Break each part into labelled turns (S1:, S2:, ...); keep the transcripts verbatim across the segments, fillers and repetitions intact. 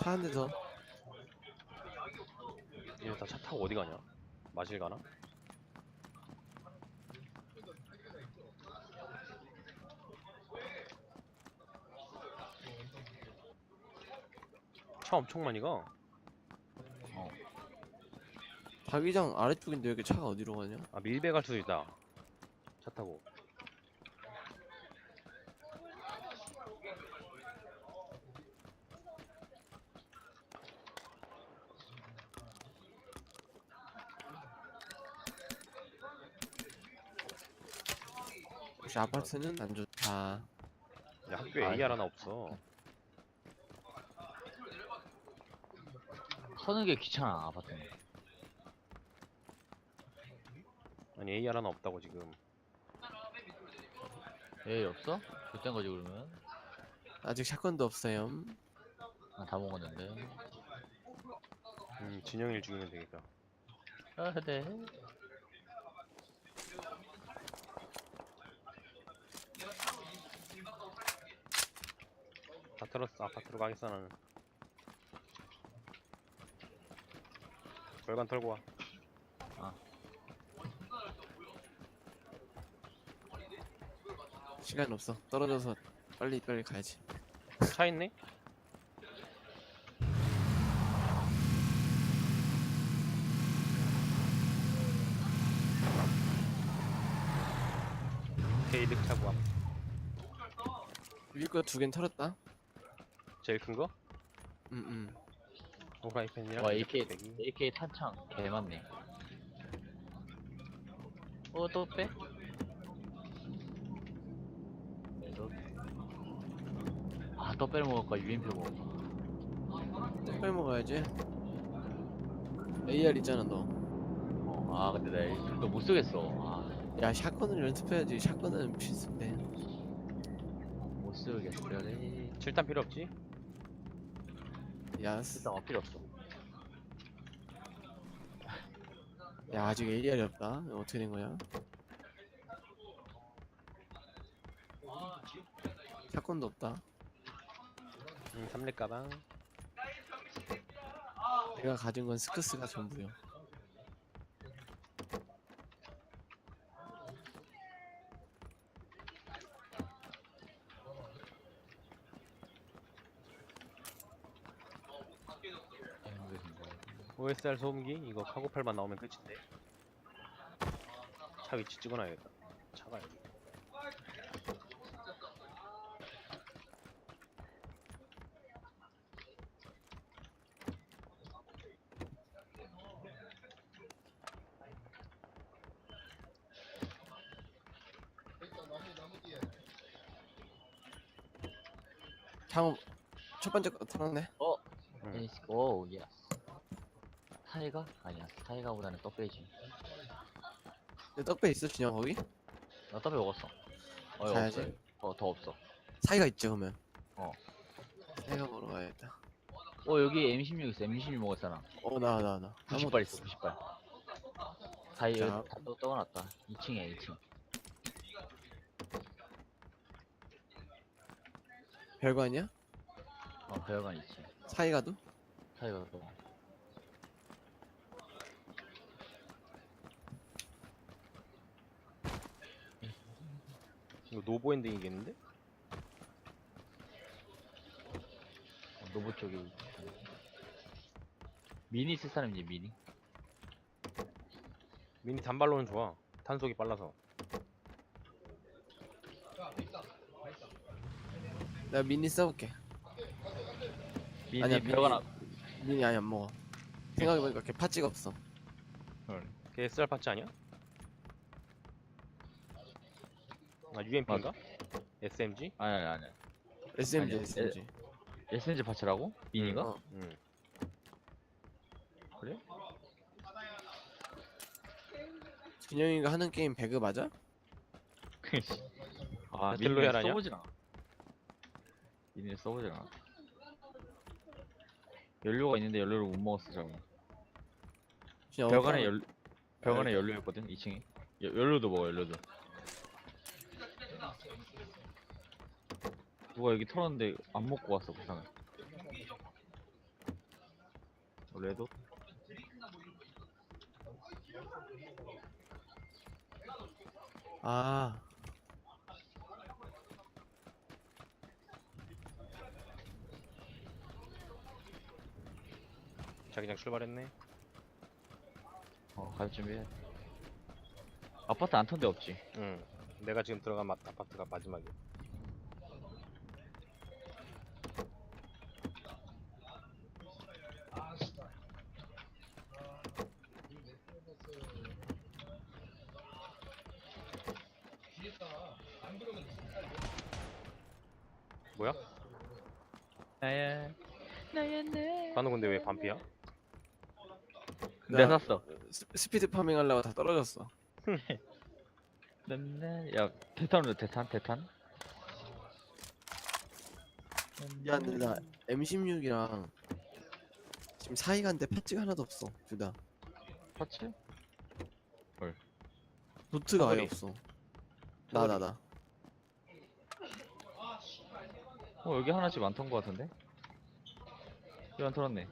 S1: 차 한 대 더.
S2: 얘네 다 차 타고 어디 가냐? 마실 가나? 차 엄청 많이 가.
S3: 어.
S1: 자기장 아래쪽인데 여기 차가 어디로 가냐?
S2: 아 밀배 갈 수도 있다. 차 타고.
S1: 역시 아파트는 안 좋다.
S2: 야 학교에
S3: 아,
S2: 에이알 하나 없어.
S3: 서는 게 귀찮아 아파트는.
S2: 아니 에이알 하나 없다고 지금.
S3: 에 없어? 그딴 거지 그러면?
S1: 아직 샷건도 없어요.
S3: 아, 다 먹었는데.
S2: 음 진영일 죽이면 되겠다.
S3: 아, 네.
S2: 다 털었어. 아파트로 가겠어 나는. 절반 털고 와.
S1: 시간 없어. 떨어져서 빨리 빨리 가야지.
S2: 차 있네? 게이득 차고 와.
S1: 위에 거 두 개는 털었다.
S2: 제일 큰 거?
S1: 응응.
S2: 오라이팬이랑
S3: 와 에이케이
S2: 대기.
S3: 에이케이 탄창 개 많네. 어 또 빼? 아또 빼를 먹을까 유엠피 먹을까?
S1: 빨리 먹어야지. 에이알 있잖아 너.
S3: 어, 아 근데 나 이거 못 쓰겠어. 아,
S1: 야 샷건을 연습해야지. 샷건은 필수인데.
S3: 못 쓰겠어. 그래.
S2: 칠탄 필요 없지?
S1: 야,
S3: 일단 어 필요 없어.
S1: 야 아직 에이알이 없다. 이거 어떻게 된 거야? 샷건도 없다.
S2: 음 삼렙 가방.
S1: 내가 가진 건 스크스가 전부요.
S2: 오에스알 소음기 이거 카고팔만 나오면 끝인데. 차 위치 찍어놔야겠다. 차가 여기.
S1: 향후 첫 번째 거 털었네.
S3: 어.
S2: 응.
S3: 에이스 오 예스. 타이가? 아니야 타이가보다는 떡배지.
S1: 내 떡배 있어 진영 거기?
S3: 나 떡배 먹었어. 어 이거
S1: 가야지.
S3: 없어. 어더 없어.
S1: 사이가 있죠 그러면.
S3: 어.
S1: 사이가 먹으러 가야겠다.
S3: 어 여기 엠 십육 있어. 엠 십육 먹었잖아.
S1: 어 나와 나와 나.
S3: 구십 발 있어. 구십 발. 사이
S1: 자.
S3: 여기 다 떠- 떠나놨다. 이 층에 이 층.
S1: 별거 아니야?
S3: 어 배열관 이 층.
S1: 사이가도?
S3: 타이가 또.
S2: 이거 노보 엔딩이겠는데?
S3: 어, 노브 쪽에 미니 쓸 사람이지 미니.
S2: 미니 단발로는 좋아. 탄속이 빨라서.
S1: 내가 미니 써볼게.
S3: 미니
S1: 아니야,
S3: 배열관
S1: 미니-
S3: 앞.
S1: 미니 아니 안 먹어. 생각해보니까 이렇게 파츠가 없어.
S2: 걔 에스알 파츠 아니야? 아 유엠피인가? 에스엠지?
S3: 아니 아니 아니.
S1: 에스엠지
S3: 아니야,
S1: 에스엠지.
S3: 에스엔지 파츠라고? 미니가?
S1: 어.
S2: 응.
S3: 그래?
S1: 준영이가 하는 게임 배그 맞아?
S3: 아
S2: 배틀로얄
S3: 미니를
S2: 아니야?
S3: 써보진 않아. 미니를 써보진 않아. 연료가 있는데 연료를 못 먹었어 저거.
S1: 준영
S3: 벽안에
S1: 어디
S3: 연 벽안에 연료 있거든 이 층에. 여, 연료도 먹어 연료도. 누가 여기 털었는데 안 먹고 왔어 부상을. 레도.
S1: 아
S2: 자기장 출발했네.
S3: 어, 갈 준비해. 아파트 안 턴 데 없지.
S2: 응. 내가 지금 들어간 마, 아파트가 마지막이야. 뭐야?
S3: 나야 나야 내.
S2: 관우 근데 왜 반피야?
S3: 내가
S1: 나
S3: 샀어.
S1: 스, 스피드 파밍 하려고 다 떨어졌어.
S3: 네. 야 대탄으로 대탄 대탄.
S1: 야 근데 나 엠 십육이랑 지금 사이가인데 패치가 하나도 없어. 둘 다.
S3: 파츠?
S1: 도트가 아예
S2: 사거리.
S1: 없어. 나 나 나.
S3: 어 여기 하나씩 안 턴 거 같은데? 여기 안 털었네.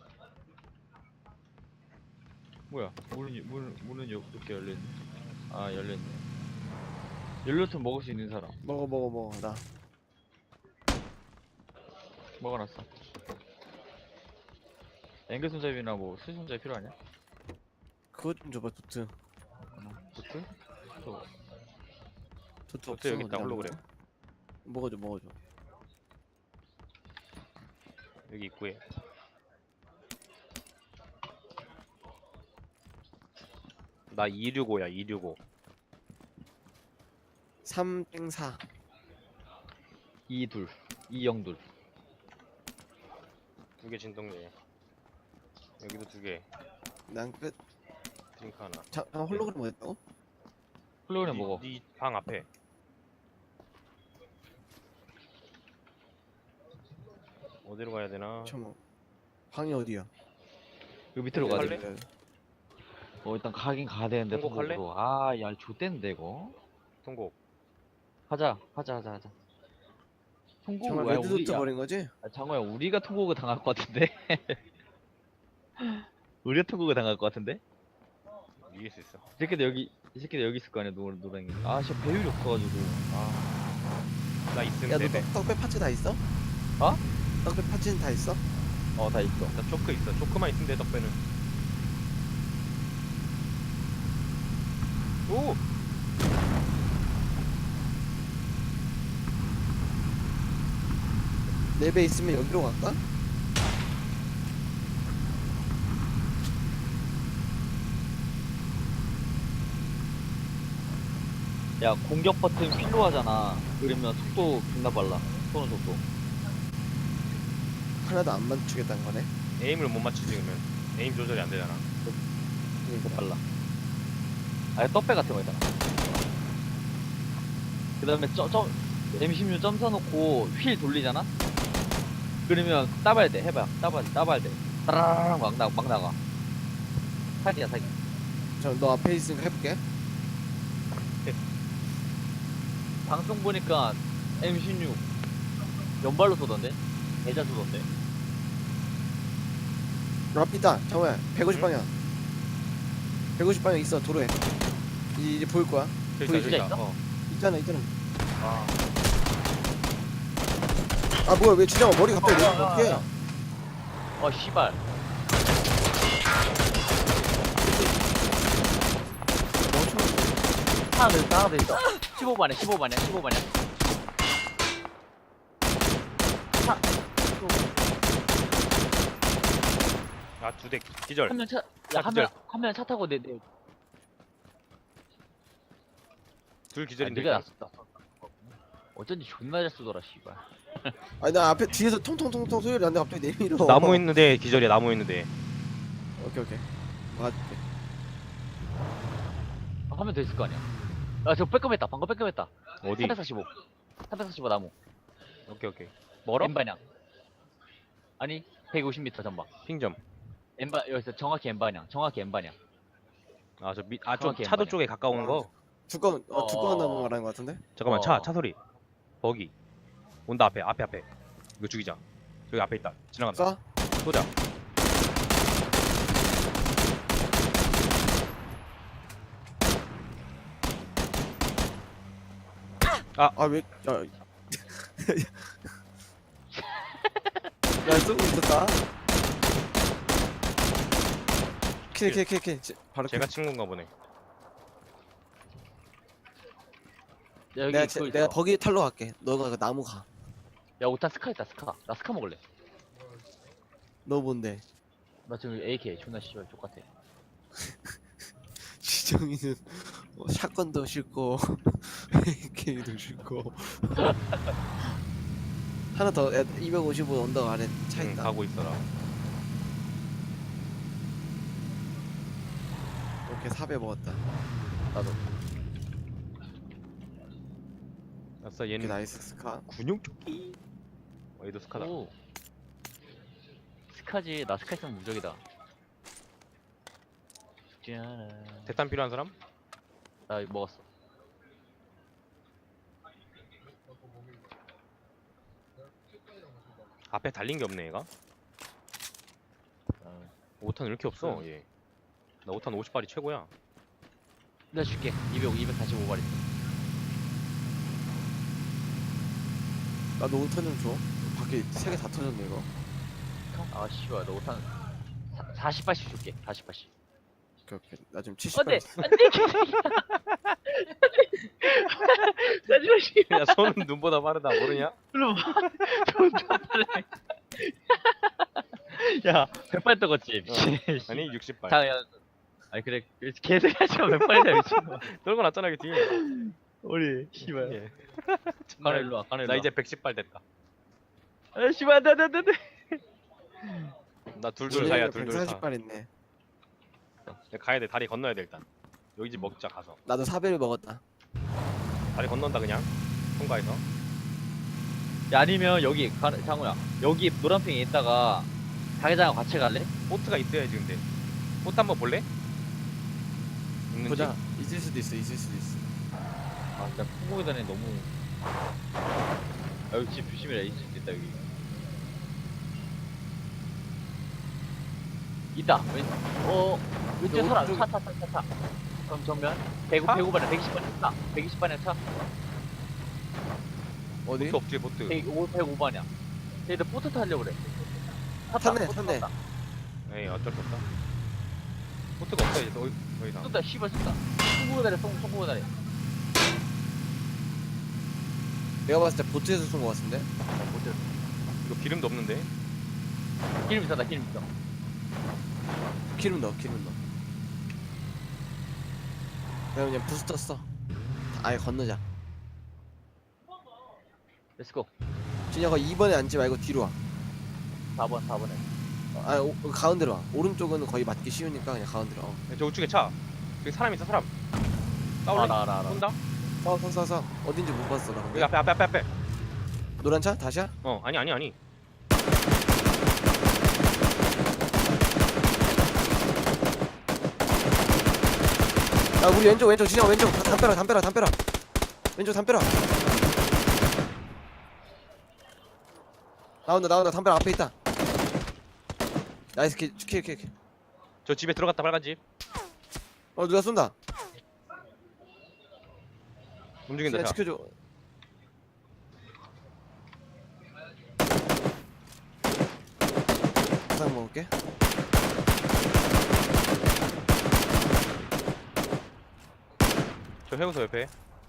S3: 뭐야? 문은 문 문은 여- 이렇게 열려있네. 아 열려있네. 연료통 먹을 수 있는 사람
S1: 먹어 먹어 먹어 나.
S3: 먹어놨어. 앵글 손잡이나 뭐 수손잡이 필요하냐?
S1: 그거 좀 줘봐 도트.
S3: 도트? 또
S1: 도트
S2: 도트
S1: 없어.
S2: 여기 있다,
S1: 어디다
S2: 홀로그램.
S1: 먹어? 먹어줘 먹어줘.
S2: 여기 입구에. 나 이백육십오야, 이백육십오.
S1: 삼 땡 사.
S3: 이둘 이영둘.
S2: 두 개 진동제. 여기도 두 개.
S1: 난 끝.
S2: 드링크 하나.
S1: 자, 아, 홀로그램 뭐 했다고?
S3: 홀로그램 먹어.
S2: 네방 앞에. 어디로 가야 되나?
S1: 잠깐만. 방이 어디야?
S3: 여기 밑으로
S2: 여기
S3: 가야
S2: 갈래?
S3: 돼. 어 일단 가긴 가야 되는데
S2: 통곡할래?
S3: 통곡으로. 아야 좆됐는데 이거.
S2: 통곡.
S3: 하자 하자 하자 하자. 통곡
S1: 정말
S3: 왜
S1: 레드
S3: 우리
S1: 도트
S3: 야
S1: 버린 거지?
S3: 아, 장호야 우리가 통곡을 당할 것 같은데? 우리가 통곡을 당할 것 같은데?
S2: 이길 수 있어.
S3: 이 새끼들 여기 이 새끼들 여기 있을 거 아니야 노 노랭이. 아 진짜 배율이 없어가지고. 아.
S2: 나 있음
S1: 야 너
S2: 세 배.
S1: 떡배 파츠 다 있어?
S3: 어?
S1: 떡배 파츠는 다 있어?
S3: 어 다 있어.
S2: 나 초크 있어. 초크만 있으면 돼, 덕배는. 오!
S1: 네 배 있으면 여기로 갈까?
S3: 야 공격 버튼 필로 하잖아. 그러면 속도 존나 빨라. 쏘는 속도.
S1: 하나도 안 맞추겠다는 거네.
S2: 에임을 못 맞추지, 그러면. 에임 조절이 안 되잖아.
S3: 그러니까 빨라. 아예 떡배 같은 거 있잖아. 그 다음에 점 엠 십육 점 써놓고 휠 돌리잖아? 그러면 따봐야 돼. 해봐. 따봐야 돼. 따봐야 돼. 따라라랑 막, 나, 막 나가. 사기야 사기.
S1: 잠깐 너 앞에 있으니까 해볼게.
S3: 방송 보니까 엠 십육 연발로 쏘던데? 대자 쏘던데?
S1: 앞이다. 잠깐만. 백오십
S2: 응?
S1: 방향. 백오십 방향 있어. 도로에. 이제, 이제 보일 거야.
S2: 저기 있다,
S1: 보이지?
S2: 저기 있다.
S3: 있어?
S2: 어.
S1: 있잖아 있잖아.
S3: 아.
S1: 아 뭐야 왜 진영아 머리 갑자기 왜 어떻게?
S3: 어 씨발. 하나 더 있어 하나 더 있어. 십오 반에 십오 반에 십오 반에. 하.
S2: 아, 두 대. 기절.
S3: 한명 차,
S2: 차
S3: 야, 한
S2: 기절.
S3: 명, 한 명 차 타고 내, 내,
S2: 둘
S3: 아,
S2: 기절인데.
S3: 네가
S2: 일단.
S3: 났어, 났어. 어쩐지 존나 잘 쏘더라, 씨발.
S1: 아니 나 앞에 뒤에서 통통통통 소리 나는데 갑자기 내밀어.
S2: 나무 있는데 기절이야, 나무 있는데.
S1: 오케이 오케이. 맞게.
S3: 아, 한 명 더 있을 거 아니야. 아, 저 빼꼼했다, 방금 빼꼼했다.
S2: 어디?
S3: 삼백사십오. 삼백사십오 나무.
S2: 오케이, 오케이. 멀어?
S3: N반향. 아니, 백오십 미터 전방.
S2: 핑점.
S3: N반, 여기서 정확히 N반향. 정확히 N반향.
S2: 아, 저 밑, 아, 좀
S3: 정확히
S2: 차도
S3: 왼발이야.
S2: 쪽에 가까운 거.
S1: 두꺼운 어, 두꺼운
S3: 어.
S1: 나무 말하는 거 같은데?
S2: 잠깐만,
S3: 어.
S2: 차, 차 소리. 버기. 온다, 앞에, 앞에, 앞에. 이거 죽이자. 여기 앞에 있다. 지나간다.
S1: 쏴?
S2: 쏘자.
S1: 아 왜? 야, 야 쏘고 있었다. 킬킬킬킬 바로 킬.
S2: 제가 친구인가 보네.
S3: 야, 여기
S1: 내가
S3: 그거
S1: 제,
S3: 있어.
S1: 내가 버기 탈로 갈게. 너가 그 나무 가.
S3: 야, 오탄 스카 있다, 스카. 나 스카 먹을래.
S1: 너 뭔데?
S3: 나 지금 에이케이 존나 씨발 똑같아.
S1: 지정이는 뭐 샷건도 싫고 에이케이도 싫고 하나 더 이백오십오 언덕 아래 차
S2: 응,
S1: 있다.
S2: 가고 있어라.
S1: 이렇게 사배 먹었다.
S3: 나도.
S2: 아싸
S1: 이렇게
S2: 얘는
S1: 나이스 스카.
S2: 군용 조끼. 어, 얘도 스카다.
S3: 오. 스카지. 나 스카 있으면 무적이다. 짠.
S2: 대탄 필요한 사람?
S3: 나 이거 먹었어.
S2: 앞에 달린 게 없네 얘가.
S3: 어.
S2: 오 탄 왜 이렇게 없어
S3: 응.
S2: 얘. 나 오 탄 오십 발이 최고야.
S3: 내가 줄게. 이백, 이백사십오 발 있어.
S1: 나도 오탄 좀 줘. 밖에 세 개 다 터졌네 이거.
S3: 아, 씨발. 너 오탄 사십 발씩 줄게. 사십 발씩.
S1: 오케이 오케이. 나 지금 칠십
S3: 안돼.
S1: 발.
S3: 안돼. 마지막 씨.
S2: 야 손은 눈보다 빠르다 모르냐?
S3: 일로 와. 존나 빨래. 야, 백 발 떠갔지. 미친.
S2: 아니 육십 발.
S3: 자, 야. 아니 그래. 개새끼 하지마. 백 발이다 미친.
S2: 떨고 났잖아 그 뒤에.
S3: 우리 씨발.
S2: 예.
S3: 가나 일로 와. 가나 일로
S2: 나
S3: 와.
S2: 이제 백십 발 됐다.
S3: 아, 씨발. 안돼 안돼 안돼.
S2: 나 둘둘 사야 둘둘
S1: 백사십
S2: 사.
S1: 발 있네.
S2: 내가 가야 돼. 다리 건너야 돼 일단. 여기 집 먹자 가서.
S1: 나도 사배를 먹었다.
S2: 다리 건넌다 그냥. 통과해서.
S3: 야, 아니면 여기 가, 장우야. 여기 노란핑에 있다가 자기장하고 같이 갈래?
S2: 보트가 있어야지 근데. 보트 한번 볼래? 있는지?
S1: 보자. 있을 수도 있어. 있을 수도 있어.
S3: 아, 진짜 풍곡에 다니 너무. 아, 여기 집 조심해라. 이 집 있다 여기. 있다. 왼. 어. 왼쪽
S1: 너
S3: 사람.
S1: 오른쪽-
S3: 차, 차, 차, 차, 차. 그럼 정면. 백,
S2: 차?
S3: 백오 반에 백이십 반에 차. 백이십 반에 차.
S1: 어디?
S2: 보트 없지 보트.
S3: 백오, 백오 반이야. 얘들 보트 타려고 그래. 탔다,
S1: 탔네,
S3: 보트
S1: 탔네.
S3: 탔다.
S2: 에이 어쩔 수 없다. 보트가 없어 이제 더, 더 이상.
S3: 쏜다, 씨발 쏜다. 송구고 다리, 송, 송구고 다리.
S1: 내가 봤을 때 보트에서 쏜 거 같은데.
S3: 보트.
S2: 이거 기름도 없는데.
S3: 기름 있었다, 기름 있어.
S1: 기름 넣어. 기름 넣어. 내가 그냥 부스터 써. 아예 건너자.
S3: 렛츠고.
S1: 진혁아 이 번에 앉지 말고 뒤로 와.
S3: 사 번, 사 번에.
S1: 아 오, 가운데로 와. 오른쪽은 거의 맞기 쉬우니까 그냥 가운데로. 어.
S2: 야, 저 우측에 차. 저기 사람 있어 사람. 싸울래?
S3: 알아, 알아, 알아.
S2: 쏜다?
S1: 싸워 싸워 싸워 싸워. 어딘지 못 봤어 나
S2: 여기
S1: 근데.
S2: 앞에 앞에 앞에 앞에.
S1: 노란 차? 다시야?
S2: 어 아니 아니 아니.
S1: 야 우리 왼쪽 왼쪽 진혁아 왼쪽 다- 담벼락 담벼락 담벼락. 왼쪽 담벼락. 나온다 나온다 담벼락 앞에 있다. 나이스 킬킬킬 킬.
S2: 저 집에 들어갔다 빨간 집.
S1: 어 누가 쏜다.
S2: 움직인다
S1: 그냥
S2: 차.
S1: 지켜줘. 사상 먹을게.
S2: 저 해우소 옆에.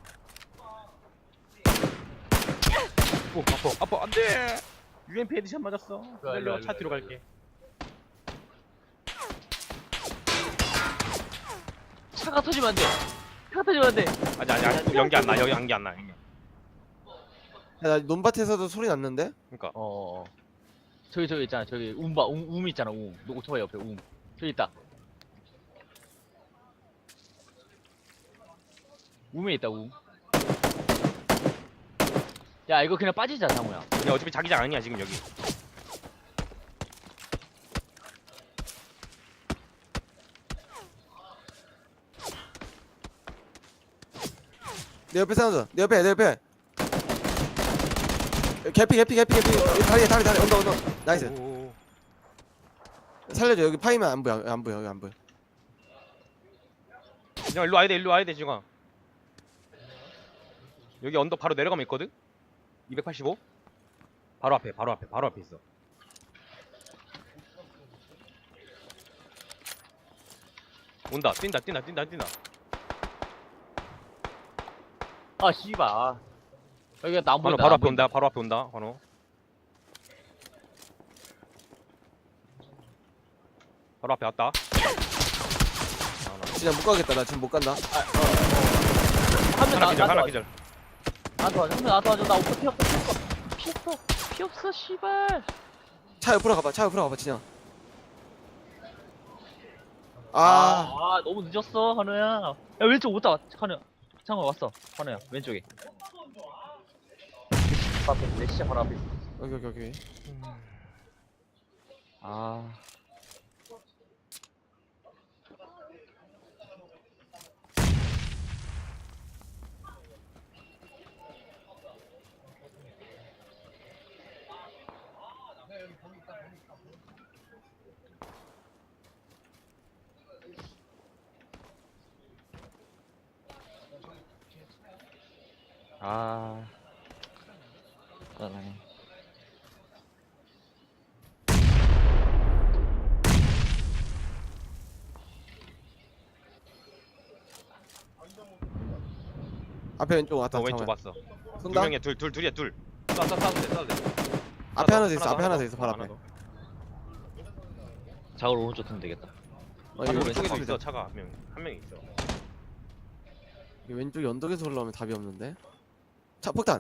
S2: 오 아파 아파 안돼. 유엠피 헤드샷 맞았어.
S3: 일로 와, 일로 와,
S2: 기다려 차
S3: 일로
S2: 뒤로
S3: 와.
S2: 갈게.
S3: 차가 터지면 안 돼. 차가 터지면 안 돼.
S2: 아니 아니 아니 연기 안 나. 여기 연기 안 나. 연기.
S1: 야나 논밭에서도 소리 났는데?
S2: 그러니까
S3: 어, 어, 어. 저기, 저기 있잖아. 저기, 움 봐. 움, 움 있잖아, 움. 너 오토바이 옆에 움. 저기 있다. 움에 있다, 움. 야, 이거 그냥 빠지자, 장우야.
S2: 야 어차피 자기장 아니야 지금 여기.
S1: 내 옆에 사운드. 내 옆에 내 옆에. 개피 개피 개피 개피. 여기 다리 다리 다리 언더 언더. 나이스.
S2: 오오오.
S1: 살려줘. 여기 파이면 안 보여. 안 보여. 여기 안 보여.
S2: 그냥 일로 와야 돼 일로 와야 돼 지금. 여기 언덕 바로 내려가면 있거든? 이백팔십오? 바로 앞에, 바로 앞에, 바로 앞에 있어. 온다, 뛴다, 뛴다, 뛴다, 뛴다.
S3: 아 씨발. 아. 여기가 나안
S2: 바로,
S3: 보인다.
S2: 바로
S3: 안
S2: 앞에
S3: 보인다.
S2: 온다, 바로 앞에 온다, 번호. 바로 앞에 왔다.
S1: 진짜 못 가겠다. 나 지금 못 간다.
S3: 한명
S2: 하나 기절, 하나
S3: 나한테
S2: 기절.
S3: 나한테 와줘. 한명 나한테 와줘. 나 오빠 피 없어. 피 없어. 피 없어. 피 없어. 씨발.
S1: 차 옆으로 가봐. 차 옆으로 가봐, 진영.
S3: 아,
S1: 아,
S3: 아 너무 늦었어 한우야. 야 왼쪽 오다 한우야. 창호 왔어. 한우야 왼쪽에. 앞에 내 시작 바로 앞에 있어.
S1: 여기 여기 여기.
S3: 아. 아. 짜증나네.
S1: 앞에 왼쪽 왔다.
S2: 어, 왼쪽
S1: 잠깐만.
S2: 왔어. 두
S1: 쏜다.
S2: 명이야, 둘, 둘, 둘이야, 둘. 쏴, 쏴, 쏴도 돼, 쏴도 돼.
S1: 앞에
S2: 하나
S1: 하나 더 있어. 앞에 하나 더 있어. 바로
S2: 하나
S1: 앞에.
S2: 더.
S3: 작을 오른쪽 틀면 되겠다.
S1: 어,
S2: 하나
S1: 이거
S2: 왼쪽에도
S1: 왼쪽
S2: 있어, 차가 한 명, 한 명 있어.
S1: 이 왼쪽이 언덕에서 올라오면 답이 없는데. 차 폭탄.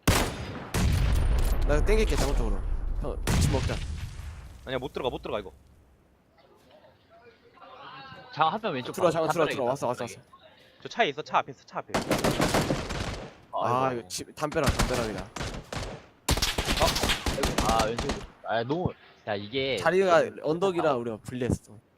S1: 나 땡길게 잘못 쪽으로. 형, 집 먹자.
S2: 아니야, 못 들어가, 못 들어가 이거.
S3: 장 한 명 왼쪽.
S1: 들어와,
S3: 바로
S1: 잠깐 들어와,
S3: 담벼락이다,
S1: 들어와. 왔어, 왔어,
S3: 담벼락이.
S1: 왔어.
S2: 저 차에 있어, 차 앞에 있어, 차 앞에.
S1: 아,
S3: 아이고.
S1: 이거 집 담벼락, 담벼락이다.
S3: 아 왼쪽. 아 너무. 야 이게.
S1: 자리가 언덕이라 우리가 불리했어.